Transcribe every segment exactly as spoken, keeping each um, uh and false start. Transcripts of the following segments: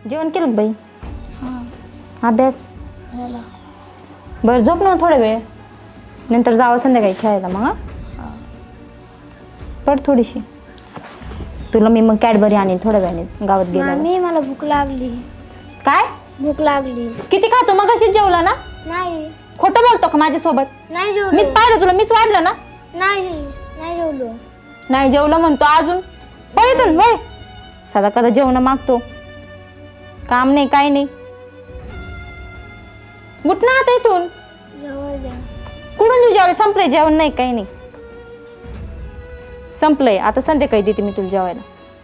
जेवण केलं बाई? हां अभ्यास झाला. बरं झोप ना थोडा वेळ, नंतर जावं संध्याकाळी खेळायला. मग हां पड थोडीशी. तुला मी मग कॅडबरी आणीन थोड्या वेळाने गावात गेल्यावर. मामी मला भूक लागली. काय भूक लागली. किती खातो? मग अशीच जेवला ना? नाही खोटं बोलतो का माझ्यासोबत? नाही जेवलो. मीच पाहिलं तुला, मीच वाढलं ना. नाही नाही जेवलो. नाही जेवलं म्हणतो अजून. पळतून वय साधा कदा जेवण मागतो. काम नाही काय नाही. उठ ना आता इथून. जेवण द्या. कुठून देऊ जेवायला? संपलंय जेवण नाही काही नाही. संपलंय आता, संध्याकाळी देते मी तुला जेवायला.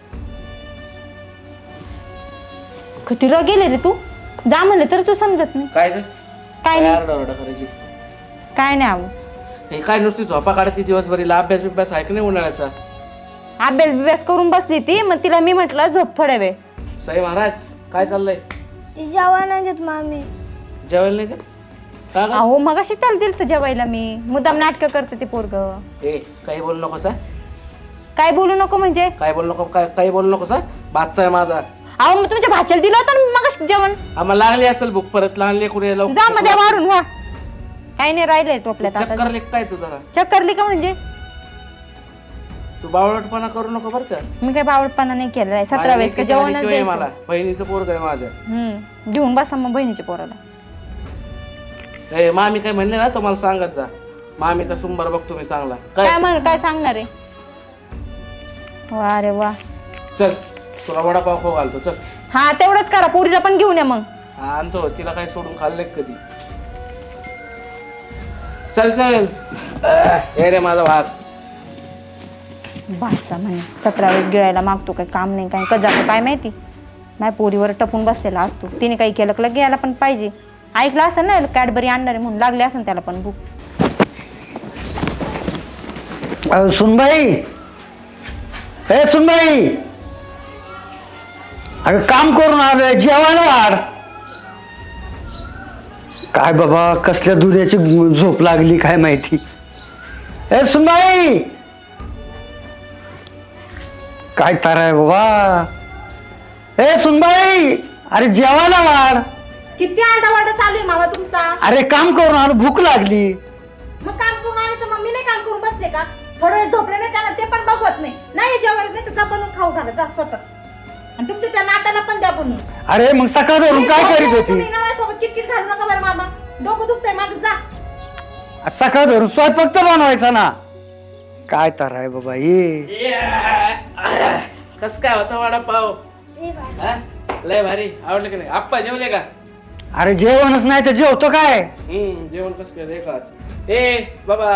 किती र गेले रे तू. जा म्हणले तर तू समजत नाही. काय ग काय नाही आरडाओरडा करायची? काय नाही आव. हे काय नुसती झोपा काढायची दिवसभरीला? अभ्यास बिभ्यास आहे का नाही उन्हाळ्याचा? अभ्यास बिभ्यास करून बसली ती, मग तिला मी म्हटलं झोप थोड्या वेळ. साई महाराज काय चाललंय? जेवण नाही देत मामी. जेवायला नाही का? का ग? अहो मग अशी त्याला दिलं तर जेवायला मी. मुद्दाम नाटकं करते ते पोरग. ए काही बोलू नको सा. काय बोलू नको म्हणजे? काय बोलू नको? काय काही बोलू नको सा. भातचा आहे माझा. अहो मग तुमच्या भाच्याला दिलं होतं ना मग जेवण. आम्हाला लागली असेल भूक परत. लहान लेकरू यायला जा मध्ये वाढून व्हा. काही नाही राहिलंय टोपल्यात आता. चक्कर लेक काय तू जरा? चक्करली का म्हणजे? तू बावळटपणा करू नको बरं का. मी काही बावळटपणा नाही केलेला आहे. सतरा माझ्या वेळेस का लेकीच्या जेवणच घरी किंवा द्यायचं. मला बहिणीचं पोरग आहे माझ्या. हम्म घेऊन बसा मग बहिणीच्या पोराला. ए मामी काय म्हणले ना तुम्हाला सांगत जा. मामीचा सुंबर बघतो मी चांगला. काय काय म्हण काय सांगणार आहे? वा रे वा. चल तुला वडापाव खाऊ घालतो चल. हा तेवढंच करा. पोरीला पण घेऊन या मग. हा आणतो. तिला काय सोडून खाल्ले कधी? चल चल. हे रे माझा भात. भाचा म्हणे सतरा वेळेस गिळायला मागतो. काय काम नाही काय कधी जातो काय माहिती. माझ्या पोरीवर टपून बसलेला असतो. तिने काही केलं की घ्यायला पण पाहिजे. ऐकलं असेल ना कॅडबरी आणणारे म्हणून, लागले असेल त्याला पण भूक. सुनबाई, हे सुनबाई, अगं काम करून आलोय, जेवायला वाढ. काय बाबा कसल्या दुर्याची झोप लागली काय माहिती. हे सुनबाई, काय तार आहे बाबा. हे सुनबाई, अरे जेवायला वाढ. किती आरडावारडा चालू आहे मामा तुमचा. अरे काम करून आलो, भूक लागली. मग काम करून आले तर मग मी नाही काम करून बसले का? थोडं वेळ झोपले नाही त्याला ते पण बघवत नाही. नाही जेवायला नाही तर जा बनवून खाऊ घाला जा स्वतः. आणि तुमच्या त्या नात्याला पण द्या बनवून. अरे मग सकाळ धरून काय करीत होती? सोबत किटकिट घालू नका बरं मामा. डोकं दुखतंय माझं जा. सकाळ धरून स्वयंपाक तर बनवायचा ना. काय तर आहे बाबा ये. कस काय होता वडापाव? हा? लय भारी. आवडलं की नाही? आप्पा जेवले का? अरे जेवणच नाही तर जेवतो काय? हम्म जेवण कसं काय रेखाच. ए बाबा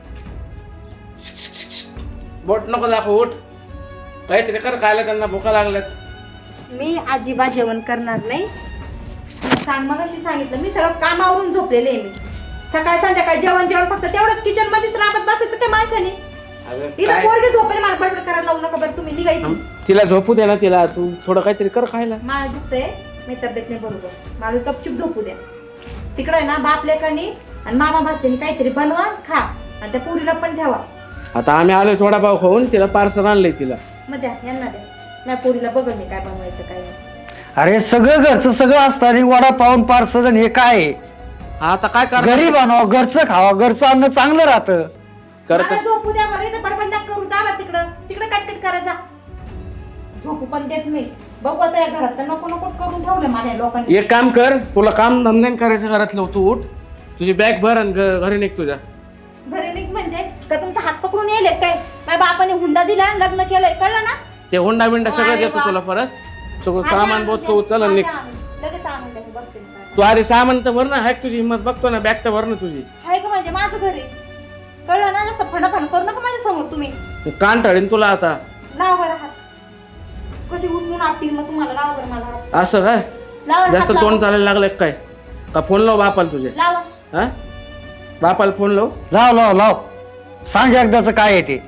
बोट नको दाखव. उठ काहीतरी कर खायला. त्यांना भुका लागल्यात. मी अजिबात जेवण करणार नाही. सांग मग अशी सांगितलं मी सगळं कामावरून झोपलेले आहे. मी सकाळ संध्याकाळ जेवण जेवण फक्त तेवढंच किचन मध्येच राबत बसायचं काय माणसाने. अगं तिला काय पोरगे झोपेल मला बडबड करायला लावू नका बरं तुम्ही. निघा इथून. तिला झोपू दे ना. तिला तू थोडं काहीतरी कर खायला. मला दुखतंय. मी तब्येत नाही बरोबर. मला गपचूप झोपू द्या. तिकडे ना बाप लेकानी आणि मामा भाच्यानी काहीतरी बनवा खा आणि त्या पुरीला पण ठेवा. आता आम्ही आलोय वडापाव खाऊन. तिला पार्सल आणलंय तिला. मग द्या यांना द्या. माझ्या पोरीला बघल मी काय बनवायचं काय नाही. अरे सगळं घरचं सगळं असतं आणि वडा पाऊन पार्सल हे काय? आता काय कर घरी बनवा, घरचं खावा. घरचं अन्न चांगलं राहतं. करत मला झोपू द्या बरं. इथं बडबड नका करू. जावा तिकडं. तिकडं कटकट करा जा. झोपू पण देत नाही. बघू आता या घरात तर नको नको करून ठेवलं माझ्या लोकांनी. एक काम कर. तुला काम धंदे करायचं घरातलं. तू उठ. तुझी बॅग भर आणि घ- घरी निघ तुझ्या. घरी निघ म्हणजे का तुमचा हात पकडून येईल काय? माझ्या बापाने हुंडा दिला लग्न केलंय कळलं ना. ते होंडा बिंडा सगळं अरे देतो वा. तुला परत. सगळं आधी सामान आणून बोचतो द्या. उचल आणि निघ. आधी आणून. लगेच आणून द्या. बघते मी काय. तू अरे सामान तर भर ना. हाय तुझी हिंमत बघतो ना. बॅग तर भर ना तुझी. आहे का म्हणजे माझं घरी कळलं ना. जास्त फणाफण करू नका माझ्या समोर तुम्ही. मी कान टाळीन तुला आता. लावा बरं हात. कशी उचलून आपतील मग तुम्हाला. लावा बरं मला हात. असं काय लावा जास्त हात तोंड लावा. चालायला लागलं काय? का फोन लाव बापाला तुझे. लावा. हा बापाला फोन लाव. लाव लाव लाव. सांग एकदाच काय आहे ते.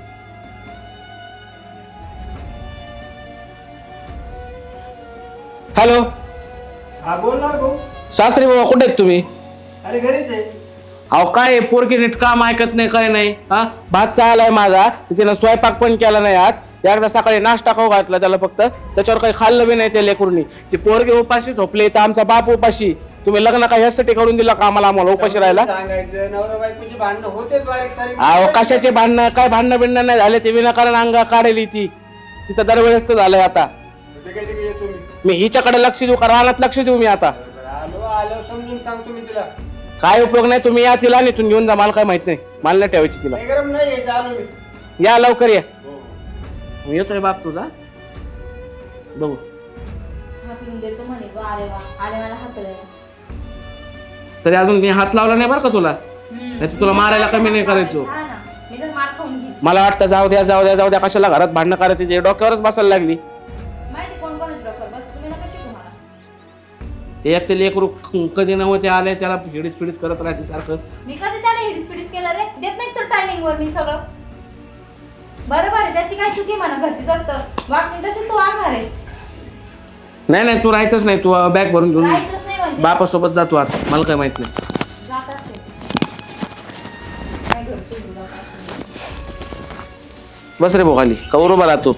हॅलो हा बोल ना भाऊ. सासरी बाबा कुठे आहेत तुम्ही? अरे घरीच आहे. अहो काय पोरगी नीट काम ऐकत नाही काय नाही हा भात चाललाय माझा तिनं स्वयंपाक पण केला नाही आज एकदा सकाळी नाश्ता खाऊ घातला त्याला फक्त त्याच्यावर काही खाल्लं बी नाही त्या लेकरूंनी ती पोरगी उपाशी झोपली तर आमचा बाप उपाशी तुम्ही लग्न काय ह्यासाठी करून दिलं का आम्हाला आम्हाला उपाशी राहायला सांगायचं नवरा बायकोची भांडणं होतेच बारीक सारीक. अहो कशाचे भांडणं काय भांडणं बिंडणं नाही झाले ते विनाकारण अंगा काढली ती तिचं दरवेळेस झालंय आता ते काय तिकडे येतो मी मी हिच्याकडे लक्ष देऊ का रानात लक्ष देऊ मी आता आलो आलो समजून सांगतो मी तिला. काय उपयोग नाही तुम्ही या तिला इथून घेऊन जा मला काय माहित नाही मला नाही ठेवायची तिला काही गरम नाही यायचं आलो मी. या लवकर या हो. मी येतोय बाप तुझा बघू हाकलून देतो म्हणे गं, अरे वा आले मला हाकलंय. तरी अजून मी हात लावला नाही बरं का तुला नाही तर तुला मारायला कमी नाही करायचो हा ना, मी तर मार खाऊन घेईन. मला वाटतं जाऊ द्या जाऊ द्या जाऊ द्या कशाला घरात भांडणं करायची जे डोक्यावरच बसायला लागली माहिती कोण कोणच डॉक्टर बस तुम्ही नका शिकू मला. ते एक ते लेकरू कधी नव्हते आले त्याला हिडीस पिडीस करत राहायचे सारखं मी कधी त्याला हिडीस पिडीस केलं रे देत नाही तर टायमिंग वर मी सगळं बरोबर आहे त्याची काय चुकी म्हणा घरची जात वागणी तशी तू वागणार आहे नाही नाही तू राहायचंच नाही तू बॅग भरून घेऊन राहायचंच नाही म्हणजे बापासोबत जातो आज मला काय माहित नाही जात असेल काय घर सोडून जात असेल. बस रे भोगाली कवर उभा राहतो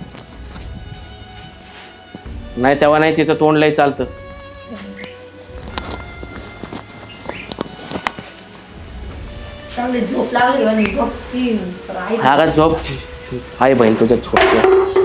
नाही तेव्हा नाही तिचं तोंड लय चालतं चांगली झोप लागली आणि झोपची राहील. हा का झोप आहे बहीण तुझ्या झोपच्या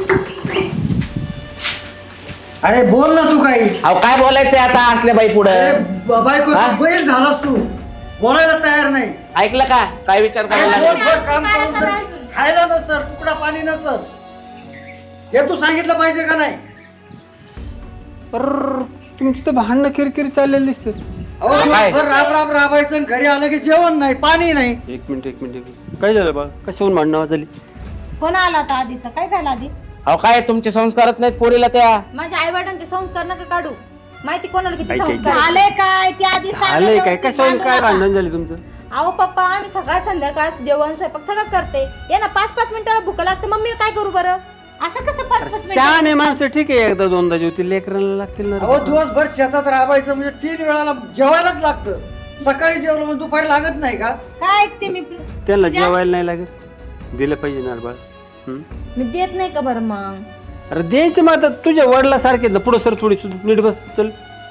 अरे बोल ना तू काही. अहो काय बोलायचंय आता असल्या बाई पुढे अरे ब- बायको हा? तू बैल झालास तू बोलायला तयार नाही. ऐकलं का काय विचार करायला अरे लागला? दिवसभर काम करून जर खायला नसर तुकडा पाणी नसर हे तू सांगितलं पाहिजे का नाही. पर तुमची तर भांडणं किरकिर चाललेली दिसते. अहो काय? दिवसभर राब राब राबायचं आणि घरी आलं की जेवण नाही पाणी नाही. एक मिनिट एक मिनिट एक मिनिट काय झालं बा कशाहून भांडणं झाली. कोण आला होता आधीचा काय झालं आधी अहो काय तुमचे संस्कारच नाहीत पोरीला त्या माझ्या आई वडिलांचे संस्कार नका काढू माहिती कोणाला किती काय- काय- संस्कार झाले काय ते आधी सांगा झालंय काय व्यवस्थित कशाहून भांडू काय नका. भांडण झाली तुमचं. अहो पप्पा आम्ही सकाळ संध्याकाळ जेवण स्वयंपाक सगळं करते या ना पाच पाच मिनिटाला भूक लागते मग मी काय करू बरं असं कसं पाच पाच मिनिटं शहाणे माणसं ठीक आहे एकदा दोनदा जेवतील लेकरांना लागतील ना अहो रे. दिवसभर शेतात राबायचं म्हणजे तीन वेळाला जेवायलाच लागतं. सकाळी जेवलं म्हणजे दुपारी लागत नाही का. काय ऐकते मी त्यांना जेवायला नाही लागत दिलं पाहिजे ना रे बाळ. हं? मी देत नाही का बरं मग अरे द्यायचं मग आता तुझ्या वडिलासारखे ना पुढं सर थोडी सुद्धा नीट बस चल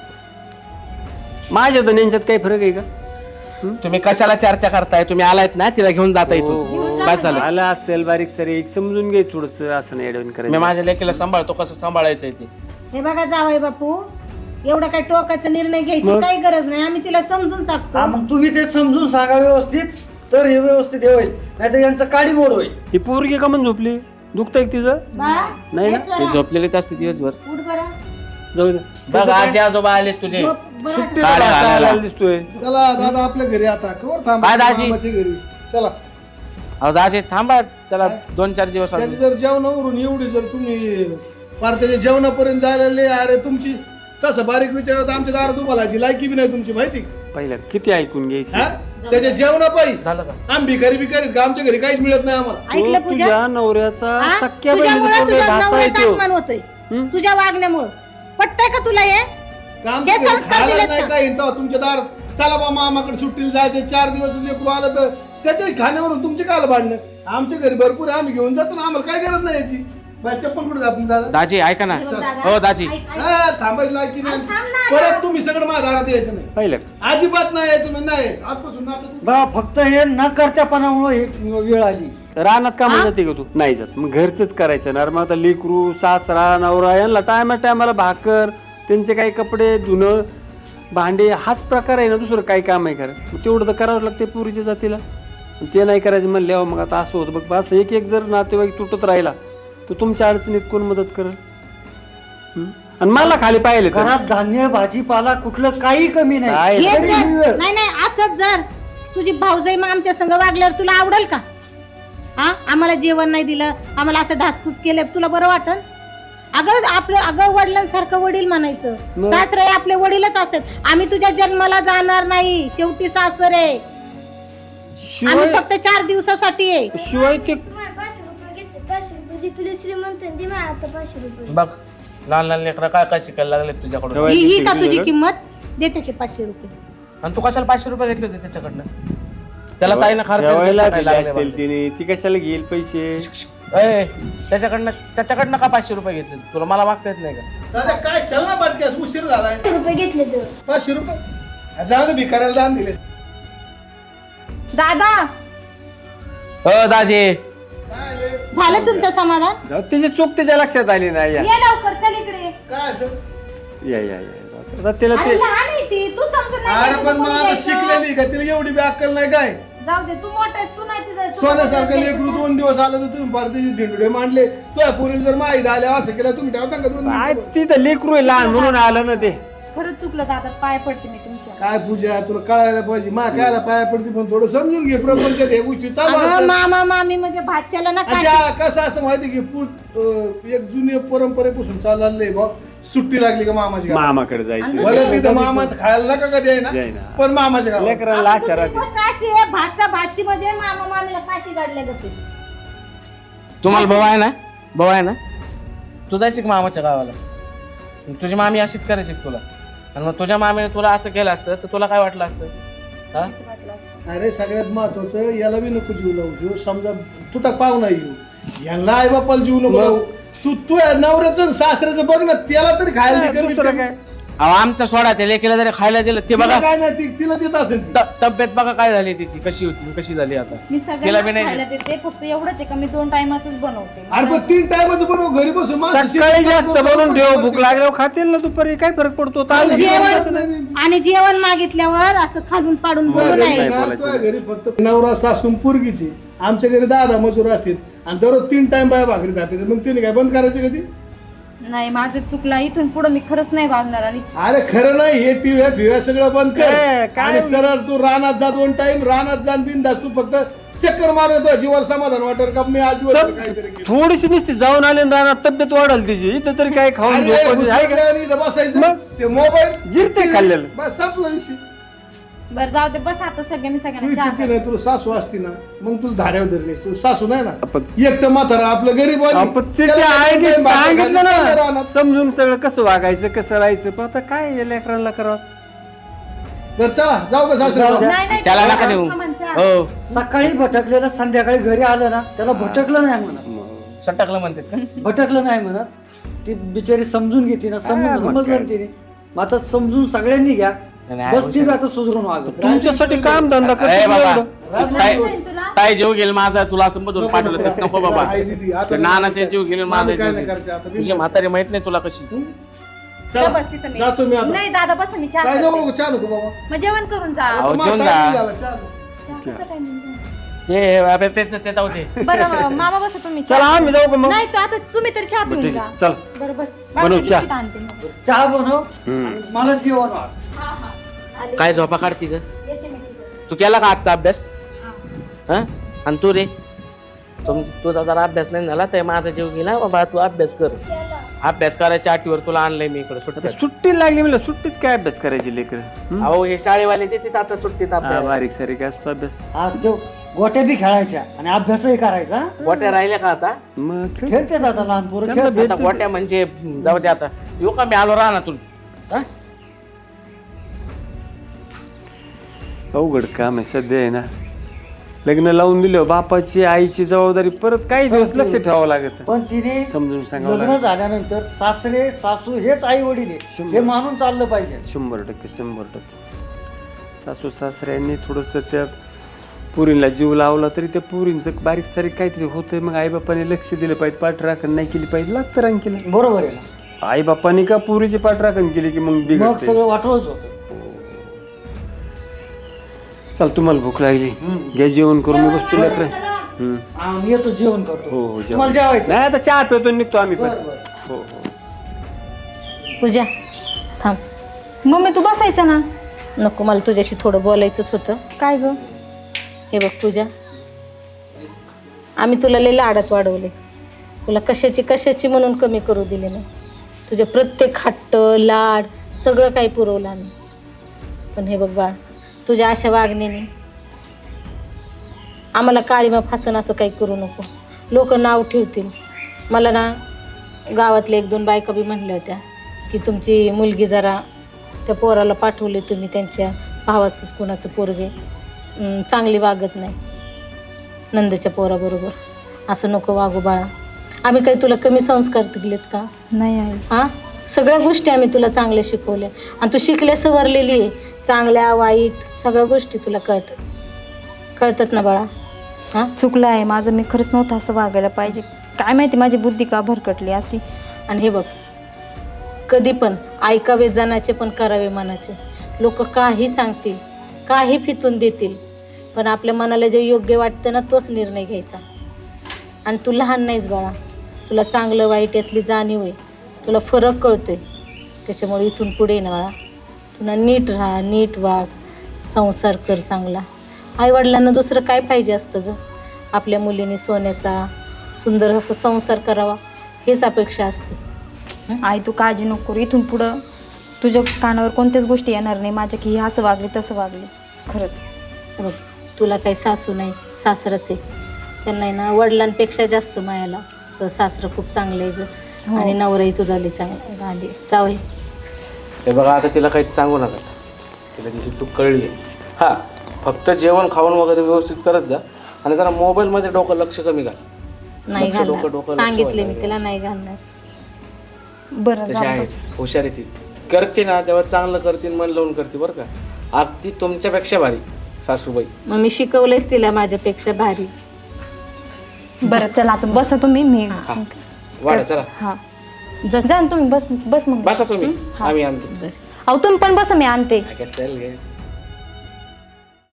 माझ्या तर यांच्यात काही फरक आहे का. तुम्ही कशाला चर्चा करताय तुम्ही आलायत ना तिला घेऊन जाता इथून बस झालं आला असेल बारीक सारी एक समजून घे थोडस असं नाही ऍडवण मी करायचं. माझ्या लेकीला सांभाळतो कसं सांभाळायचंय ते हे बघा जावई बापू एवढा काही टोकाचा निर्णय घ्यायची काही गरज नाही आम्ही तिला समजून हा सांगतो मग तुम्ही ते समजून सांगा व्यवस्थित तर हे व्यवस्थित हे होईल नाहीतर यांचं काडी मोड होईल. ही पोरगी का म्हणून झोपली दुखतंय का तिचं बा नाही ना हे स्वरा, ते झोपलेलेच असते दिवसभर उठ बरं जाऊ दे बघ आजी आजोबा आले तुझे झोप बरं. सुट्टीला काढ बसा घालायला. आलेला दिसतोय. चला दादा आपल्या घरी आता कवर थांबा काय दाजी? मामाच्या घरी चला अहो दाजी थांबा त्याला दोन चार दिवस त्याची अजून. जर जेवणावरून एवढी जर तुम्ही पार त्याच्या जेवणापर्यंत जायला लय अरे तुमची तसं बारीक विचारात आमच्या दारात तुम्हाला लायकी बी नाही तुमची माहिती का? पहिला किती ऐकून घ्यायची हा त्याच्या जेवणा पायी झालं का आम्ही भिकारी बिकारीत का आमच्या घरी काहीच मिळत नाही आम्हाला ऐकलं तो पूजा तुझ्या नवऱ्याचा हा? सख्या तुझ्यामुळं बहिणीचा तुझ्या भाचा आहे नवऱ्याचा तो. अपमान होतोय हं? तुझ्या वागण्यामुळं पटतंय का तुला हे का आमच्या हे घरी संस्कार खायला दिलेत नाही का? काही तेव्हा तुमच्या दार चला बा मामाकडे सुट्टीला जायचे चार दिवस लेकरू आलं तर त्याच्या खाण्यावरून तुमचे काल भांडणं आमच्या घरी भरपूर आहे, आम्ही घेऊन जातो ना आम्हाला काय गरज नाही याची बाई, चप्पल कुठे जात दादा दाजी ऐका ना दादा, हो दाजी ऐक, ऐक. हा, थांबायची लायकी नाही थांब ना. परत तुम्ही सगळं माझ्या दारात यायचं नाही पहिलं अजिबात नाही यायचं म्हणजे नाही यायचं आजपासून ना आता तू- बा फक्त हे न करत्यापणामुळे हे वेळ आली. रानात का जाते का तू नाही जात मग घरच करायचं ना रे. मग आता लेकरू सासरा नवरा यांना टायमा टायमाला भाकर त्यांचे काही कपडे धुणं भांडे हाच प्रकार आहे ना दुसरं काही काम आहे खरं मग तेवढं तर करावं लागते पुरीच्या जातीला ते नाही करायचं म्हणल्यावर मग आता असं होतं बघ असं एक एक जर नातेवाईक तुटत राहिला तर तुमच्या अडचणीत कोण मदत करेल. हं? आणि मला खाली पाहिले तर. घरात धान्य भाजीपाला कुठलं काही कमी नाही. काय हे तरी जर ही वेळ. नाही नाही असंच जर तुझी भाऊजाई मग आमच्या संग वागल्यावर तुला आवडेल का हा आम्हाला जेवण नाही दिलं आम्हाला असं ढासपूस केलं तुला बरं वाटन अगं आपलं अगं वडिलांसारखं वडील म्हणायचं मग? सासरे आपले वडीलच असतात आम्ही तुझ्या जन्माला जाणार नाही शेवटी सासरे आम्ही शिवाय फक्त चार दिवसासाठी आहे शिवाय ते तुम्हाला पाचशे रुपये घेते पाचशे रुपये दे तुला श्रीमंत दे मला आता पाचशे रुपये बघ लहान लहान लेकरं काय काय शिकायला लागले तुझ्याकडून ठेवा. ही ही का तुझी किंमत दे त्याचे पाचशे रुपये आणि तू कशाला पाचशे रुपये घेतले होते त्याच्याकडनं त्याला ताईनं खर्च ठेवायला काय दिले लागले असतील बा. तिने, ती कशाला घेईल पैसे? ए, त्याच्याकडनं त्याच्याकडनं का पाचशे रुपये घेतले तुला? मला मागता येत नाही का? दादा काय चल ना पाटक्यास, उशीर झालाय. पाचशे रुपये घेतले तर पाचशे रुपये जाऊ दे, भिकाऱ्याला दान दिले. दादा हो दाजी, काय आले? झालं तुमचं समाधान? जाऊ, तिची चूक तिच्या लक्षात आली नाही. या ये लवकर चल इकडे. काय असं? या या या. जाऊ. आता तिला अरे ते लहान आहे ती, तू समजून नाही अरे घ्यायचं, पण तू मग कोणी आता घ्यायचं? शिकलेली का, तिला एवढी बी अक्कल नाही काय? जाऊ दे, तू मोठा आहेस, तू नाही तिचं- तू सोन्यासारखं घ्यायचं लेकरू का? दोन दिवस आलं तर तुम्ही भारतीय धिंडुडे मांडले. तुझ्या पुरीला जर माहीत आल्या असं केलं तुम्ही ठेवता का दोन काय मिनिटं? ती तर लेकरू आहे, लहान म्हणून आलं ना ते. खरंच चुकलं दादा, पाय पडते मी तुमच्या. काय पूजा, तुला कळायला पाहिजे. मा कायला पाया पडते, पण थोडं समजून घे. प्रपंचात हे गोष्टी चालू अगं असतात. मामा मामी म्हणजे भाच्याला ना आणि काय त्या कसं असतं माहिती की पूर अं, एक जुनी परंपरेपासून चाललंय बा. सुट्टी लागली का मामाची गावात. मामाकडे जायचं. भले तिथं मामा खायला नका कधी आहे ना, जाई ना. पण मामाच्या गावात. लेकराला आशा राहते. गोष्ट अशी आहे, भाचा भाची म्हणजे मामा मामीला काशी काढल्या जाते. तुम्हाला भाऊ आहे ना? भाऊ आहे ना? तू जायची का मामाच्या गावाला? तुझी मामी अशीच करायची का तुला? आणि मग तुझ्या मामीने तुला असं केलं असतं तर तुला काय वाटलं असतं? हा? अरे सगळ्यात महत्वाचं, याला बी नको जीव लावू घेऊ. समजा तुटा पाहुणा येऊ, यांना आई बापाला जीव नको लावू. तू तू नवऱ्याचं आणि सासऱ्याचं बघ ना, त्याला तरी खायला दे कमीत दुसरं कमी. काय? अहो आमचा सोडा ते लेकीला जरी खायला दिलं ते तिला बघा. काय नाही, ती- तिला देत असेल ती. त- तब्येत बघा काय झाली तिची, कशी होती कशी झाली आता. मी तिला बी सगळ्यांना नाही खायला देते, फक्त एवढंच आहे का मी दोन टायमातच बनवते. अरे पण तीन टायमाचं बनव घरी बसून. माणसं सकाळी शेतात जास्त जाऊन बनवून ठेव, बनवून भूक लागल्यावर खातील ना दुपारी. काय फरक पडतो? ताज जेवण आणि जेवण मागितल्यावर असं खालून पाडून बोलू तुझ्या नये. घरी ना, तुझ्या घरी फक्त नवरा सासून पोरगीची. आमच्या घरी दादा मजूर असतील आणि दररोज तीन टाइम बाया भाकरी खाते. मग तिने काय बंद करायचं कधी? नाही माझं चुकलं, इथून पुढे मी खरंच नाही वागणार. आणि अरे खरं नाही, हे टिव्या फिव्या सगळं बंद कर. ए, काय आणि सरळ तू रानात जा, दोन टाइम रानात जा, बिंदास. तू फक्त चक्कर मारतो, जीवाला समाधान वाटेल का मी आज दिवस काहीतरी केलं. थोडीशी नुसती जाऊन आले ना रानात, तब्येत वाढल तिची. इथं तरी काय खाऊन अरे, झोपून आहे का? घुसमटलं आणि इथं बसायचं मग? ते मोबाईल जिरते खाल्लेलं. बस संपला विषय. बरं जाऊ दे, बस आता सगळे मी तुझी सगळ्यांना चहा चुकी नाही, तुला सासू असती ना मग तुला धाऱ्यावर धरली. तुला सासू नाही ना, आपण- एकटं म्हातारा आपलं गरीब वाली. आपण त्याच्या त्याला आईने दोन time भाकरी सांगितलं खायला ना, रानात. समजून सगळं कसं वागायचं कसं राहायचं. पण आता काय या लेकरांना करावं? बरं चला जाऊ का सासरे? नाही नाही त्याला चहा नका देऊ. मामा, चहा. हो सकाळी भटकलेलं संध्याकाळी घरी आलं ना, त्याला भटकलं नाही म्हणत. सटकलं म्हणतात का? भटकलं नाही म्हणत. ती बिचारी समजून घेते ना, समजून समजलं तिने. मग आता समजून सगळ्यांनी घ्या. नाही, बस ती बी आता सुधरून वागत. तुमच्यासाठी काम धंदा ए करतो बाबा, एवढं. ताई ताई जीव गेल माझा, तुला असं मधून पाठवलं तर नको बाबा. आई दिदी, आता ते नानाचे जीव गेले, माझा आम्ही जीव काय नाही गेला. करायचं आता. तुझी म्हातारी माहित नाही तुला कशी. चला, बस तिथं मी. जातो मी आता. नाही दादा बस मी चहा काय करते. नको चहा नको बाबा. मग जेवण करून जा. अहो, आता जेवून मला जा. time झाला, चहा नको. चहाचा timing झाला. ते अबे, ते ते- ते जाऊ दे. बरं मामा बसा तुम्ही चला चहा. आम्ही जाऊ का मग? नाही तर आता तुम्ही तरी चहा पिऊन ठीक जा. आहे, चल. बरं बस बनव बाकी चहा. बिस्किट आणते मग. चहा बनव हम्म. आणि मला जेवण वाढ. हा हा आले. काय झोपा काढती ग? येते मी तिकडे. तू केला का आजचा अभ्यास? हा? आणि तू रे, तुम तुझा जरा अभ्यास नाही झाला तर माझा जीव गेला बाबा. तू अभ्यास कर. अभ्यास करायच्या आठवीवर तुला आणलंय मी इकडे आता सुट्ट्यात. सुट्टी लागली म्हणलं, सुट्टीत काय अभ्यास करायची लेकर? अहो हे शाळेवाले देतात आता सुट्टीत अभ्यास. बारीक सारीक असतो अभ्यास. आज देव गोट्या बी खेळायच्या आणि अभ्यासही करायचा. गोट्या राहिल्या का आता? मग खेळ. खेळतात आता लहान पोरं त्यांना खेळतात. भेट- आता गोट्या म्हणजे जाऊ दे आता. येऊ का मी आलो राहणार हा? अवघड काम आहे सध्या आहे ना. लग्न लावून दिलं, बापाची आईची जबाबदारी परत काही दिवस लक्ष ठेवावं लागत. पण तिने समजून सांगावं लग्न लागत. झाल्यानंतर सासरे सासू हेच आई वडील आहे हे मानून चाललं पाहिजे. शंभर टक्के शंभर टक्के सासू सासऱ्यांनी थोडंसं त्या पुरीला जीव लावला तरी त्या पुरींचं बारीक सारीक काहीतरी होतंय. मग आईबापाने लक्ष दिलं पाहिजे, पाठराखण नाही केली पाहिजे. लागतं रांकीला. बरोबर आहे ना. आईबापाने का पुरीची पाठराखण केली की मग मग बिघडते. सगळं वाटवच होतं. चल, तुम्हाला भूक लागली, घ्या जेवण करून मी बसतो लेकर. हम्म. आम्ही येतो जेवण करतो. हो हो जेवण. तुम्हाला जेवायचं. नाही आता चहा पितो निघतो आम्ही पण. बरं, बरं. हो हो. पूजा थांब. मम्मी तू बसायचं ना. नको, मला तुझ्याशी थोडं बोलायचंच होतं. काय ग? हे बघ पूजा, आम्ही तुला लई लाडात वाढवले. तुला कशाची कशाची म्हणून कमी करू दिले नाही. तुझे प्रत्येक हट्ट लाड सगळं काही पुरवलं आम्ही. पण हे बघ बाळ, तुझ्या अशा वागण्याने आम्हाला काळीमा फासन असं काही करू नको. लोक नाव ठेवतील. मला ना गावातल्या एक दोन बायका बी म्हणल्या होत्या की तुमची मुलगी जरा त्या पोराला पाठवली तुम्ही, त्यांच्या भावाचंच कुणाचं पोरगे. अं, चांगली वागत नाही नंदच्या पोराबरोबर असं नको वागू बाळा आम्ही काही तुला कमी संस्कार दिलेत का नाही आई. हां सगळ्या गोष्टी आम्ही तुला चांगल्या शिकवल्या आणि तू शिकल्या सवरलेली आहे चांगल्या वाईट सगळ्या गोष्टी तुला कळतात कळतात ना बाळा हां चुकलं आहे माझं मी खरंच नव्हतं असं वागायला पाहिजे काय माहिती माझी बुद्धी का भरकटली अशी आणि हे बघ कधी पण ऐकावे जनाचे पण करावे मनाचे लोक काही सांगतील काही फितून देतील पण आपल्या मनाला जे योग्य वाटतं ना तोच निर्णय घ्यायचा आणि तू लहान नाहीस बाळा तुला चांगलं वाईट यातली जाणीव आहे तुला फरक कळतोय त्याच्यामुळे इथून पुढे ना बाळा तुला नीट राहा नीट वाग संसार कर चांगला आईवडिलांना दुसरं काय पाहिजे असतं ग आपल्या मुलीने सोन्याचा सुंदर असा संसार करावा हेच अपेक्षा असते आई तू काळजी नको करू इथून पुढं तुझ्या कानावर कोणत्याच गोष्टी येणार नाही माझ्या की हे असं वागले तसं वागले खरंच बघ तुला काही सासू नाही सासरच आहे त्यांना आहे ना वडिलांपेक्षा जास्त मायाला तर सासरं खूप चांगलं आहे ग आणि नवराही तुझा लई चांगला आली जावई हे बघा आता तिला काहीच सांगू नका तिला तिची चूक कळली हां फक्त जेवण खाऊन वगैरे व्यवस्थित करत जा आणि जरा मोबाईलमध्ये डोकं लक्ष कमी घाल नाही लक्ष, डोकं, घालणार डोकं, लक्ष सांगितले मी वाढलं. तिला नाही घालणार बरं तशी जा आहे बस. हुशार आहे ती करते ना तेव्हा चांगलं करते मन लावून करते बरं का अगदी तुमच्यापेक्षा भारी सासूबाई मग मी शिकवलेच तिला माझ्यापेक्षा भारी बरं चला आता बसा तुम्ही मी वाढा चला हा जा जा ना तुम्ही बस बस मग बसा तुम्ही आम्ही आणतो अहो तुम्ही पण बसा मी आणते काय चल गे